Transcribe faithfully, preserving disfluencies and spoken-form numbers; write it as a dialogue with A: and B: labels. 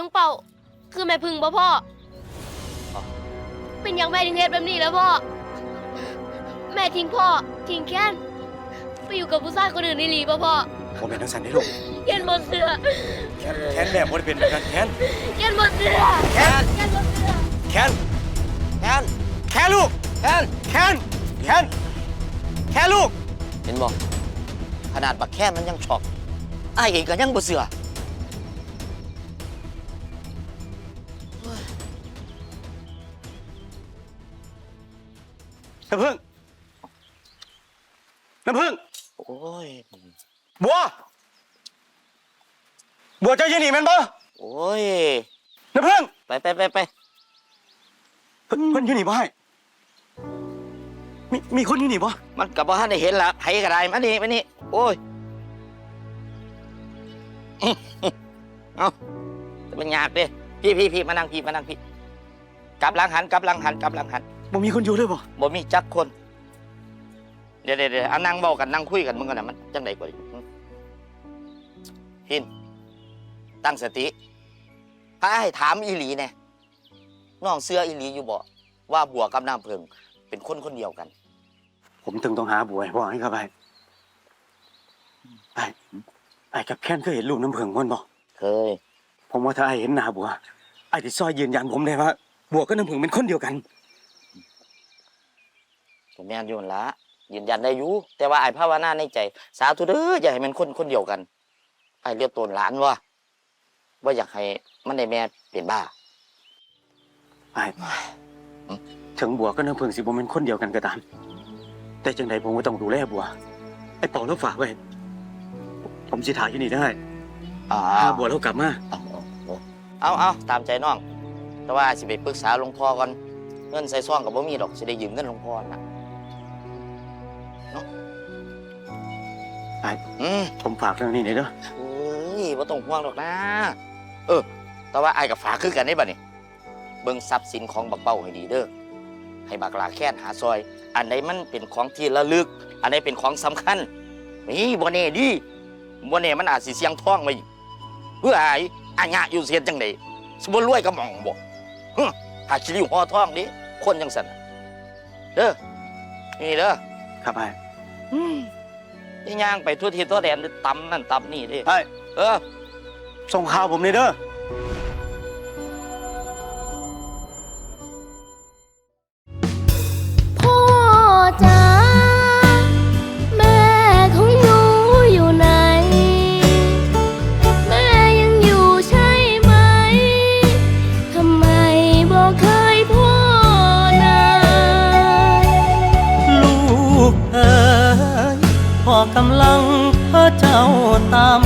A: ลุงเป่าคือแม่พึ่งบ่พ่อเป็นอย่างแม่ถึงเฮ็ดแบบนี้แล้วพ่อแม่ทิ้งพ่อทิ้งแค้นไปอยู่กับผู้ชายคนอื่นในหลีบ่พ่อ
B: ผมเป็นทั้งสันได้ลูก
A: แค้นบ่เสือ
B: แค้นแค้นแม่บ่ได้เป็นแบบนั้นแค้น
A: แค้นบ่เสือ
B: แค้น
A: แค้นบ่เสือ
B: แค้นแค้นแค้นลูกแค้นแค้นแค้นแค้นลูก
C: เห็นบ่ขนาดบักแค้นมันยังช็อกอ้ายเองก็ยังบ่เชื่อ
B: น้ำผึ้งน้ำผึ้ง
C: โอ้ย
B: บัวบัวเจ้ายืนหนีมันบ่
C: โอ้ย
B: น้ำผึ้ง
C: ไปไปไปไป
B: เพิ่นเพิ่นยืนหนีบ่ให้มีมีคนยืนหนีบ่
C: มันกับบ่ทันได้เห็นละไผก็ได้มานี่มานี่โอ้ยเอาจะเป็นยากดิพี่พี่พี่มานั่งพี่มานั่งพี่กลับหลังหันกลับหลังหันกลับหลังหัน
B: บ่มีคนอยู่เลยบ่
C: บ่มีจักคนเดี๋ยวเดี๋ยวเดี๋ยวเอานั่งเบากันนั่งคุยกันมึงกันนะมันจังไดกว่าดิหินตั้งสติพระให้ถามอีหลีแน่น้องเสื้ออีหลีอยู่บ่ว่าบัวกับน้ำเพิงเป็นคนคนเดียวกัน
B: ผมถึงต้องหาบัวให้พ่อให้ครับไอ้ไอ้ไอ้กับแค้นเคยเห็นลูกน้ำเพิงมันบ่
C: เคย
B: ผมว่าถ้าไอ้เห็นหน้าบัวไอ้ที่ซอยยืนยันผมได้ว่าบัวกับน้ำเพิงเป็นคนเดียวกัน
C: ผมแม่นอยู่ละยืนยันได้อยู่แต่ว่าไอ้ภาวนาในใจสาธุเด้ออย่าให้มันคนคนเดียวกันไอ้เรียกตนหลานว่าว่าอยากให้มันได้แม่เป็นบ้า
B: ไอ้ถึงบัวกับน้ำเพิงสิบ่เป็นคนเดียวกันก็ตามแต่จังใดผมก็ต้องดูแลบัวไอ้เป่าแล้วฝากไว้ผมสิถ่ายอยู่นี่ได้ถ้าบัวแล้วกลับมา
C: เอาเอาตามใจน้องแต่ว่าสิไปปรึกษาหลวงพ่อก่อนเงินใส่ซ่องกับบ่มีดอกสิได้ยืมเงินหลวงพ่อนะเนาะ
B: ไอ้ผมฝากเรื่องนี้หน่อยเด้อ
C: เฮ้ยบ่ต้องห่วงหรอกนะเออแต่ว่าไอ้กับฝากคือกันได้บ่นี่เบิ่งทรัพย์สินของบักเป้าให้ดีเด้อให้บักลาแค้นหาซอยอันใดมันเป็นของที่ระลึกอันใดเป็นของสำคัญนี่บ่แน่ดิบ่แน่มันอาจสิเสี่ยงท้องไว้เพื่อไอ้อาญะอยู่เสียจังได๋สิบ่รวยก็หม่องบ่ฮึหาคิริวห่อท้องดิคนจังซั่นเด้อนี่เด้อ
B: ครับไอ้
C: อืมย่างไปทั่วทิศทั่วแดนตำนั่นตำนี่ดิ
B: ไอ้
C: เออ
B: ส่งข่าวผมเลยเด้อ
A: พ่อจ๋าแม่ของหนูอยู่ไหนแม่ยังอยู่ใช่ไหมทำไมบอกเคยพ่อนะ
D: ลูกเอ๋ยพ่อกำลังเพ้อเจ้าตาม